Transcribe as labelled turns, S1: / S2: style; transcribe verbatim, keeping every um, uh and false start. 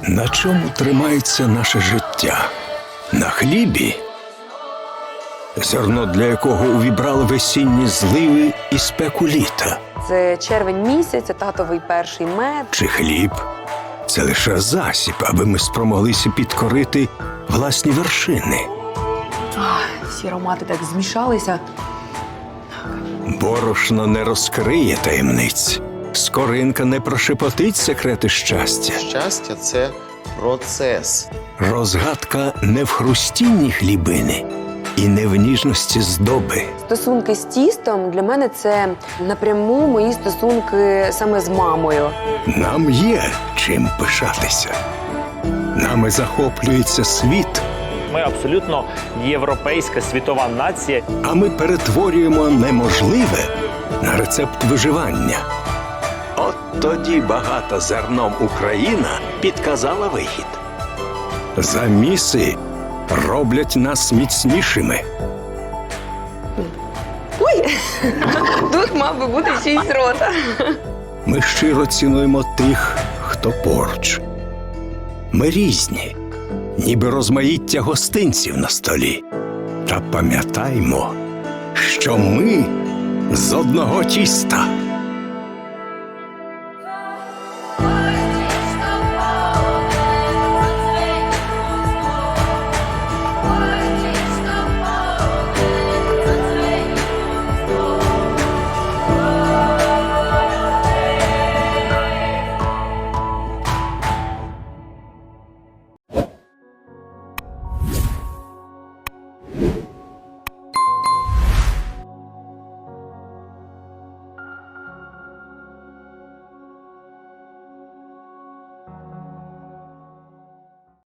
S1: На чому тримається наше життя? На хлібі? Зерно, для якого увібрали весінні зливи і спеку літа?
S2: Це червень місяць, це татовий перший мед.
S1: Чи хліб? Це лише засіб, аби ми спромоглися підкорити власні вершини.
S2: Ах, всі аромати так змішалися.
S1: Борошно не розкриє таємниць. Скоринка не прошепотить секрети щастя.
S3: Щастя – це процес.
S1: Розгадка не в хрустінні хлібини і не в ніжності здоби.
S2: Стосунки з тістом для мене це напряму мої стосунки саме з мамою.
S1: Нам є чим пишатися. Нами захоплюється світ,
S4: Ми абсолютно європейська світова нація.
S1: а ми перетворюємо неможливе на рецепт виживання. От тоді багата зерном Україна підказала вихід. Заміси роблять нас міцнішими.
S2: Ой, тут мав би бути чийсь рота.
S1: Ми щиро цінуємо тих, хто поруч. Ми різні, ніби розмаїття гостинців на столі. Та пам'ятаймо, що ми з одного тіста.